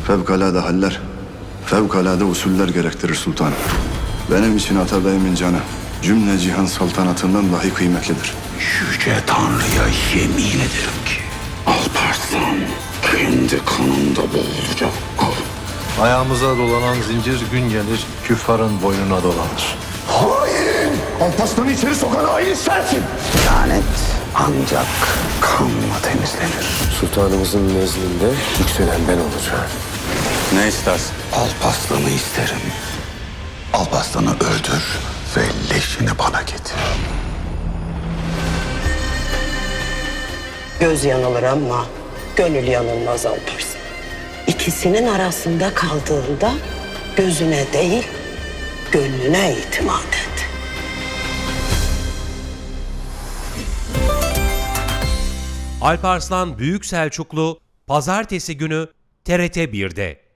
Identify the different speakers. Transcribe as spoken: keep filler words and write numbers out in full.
Speaker 1: Fevkalade haller, fevkalade usuller gerektirir sultanım. Benim için Atabey'imin canı cümle cihan saltanatından dahi kıymetlidir.
Speaker 2: Yüce Tanrı'ya yemin ederim ki Alparslan kendi kanında boğulacak.
Speaker 3: Ayağımıza dolanan zincir gün gelir küffarın boynuna dolanır.
Speaker 2: Hain! Alparslan'ı içeri sokan hain sensin! Lanet ancak kanla temizlenir.
Speaker 4: Sultanımızın nezdinde yükselen ben olacağım.
Speaker 1: Ne istersin?
Speaker 2: Alparslan'ı isterim. Alparslan'ı öldür ve leşini bana getir.
Speaker 5: Göz yanılır ama gönül yanılmaz Alparslan. İkisinin arasında kaldığında gözüne değil, gönlüne itimat et.
Speaker 6: Alparslan Büyük Selçuklu Pazartesi günü T R T bir'de.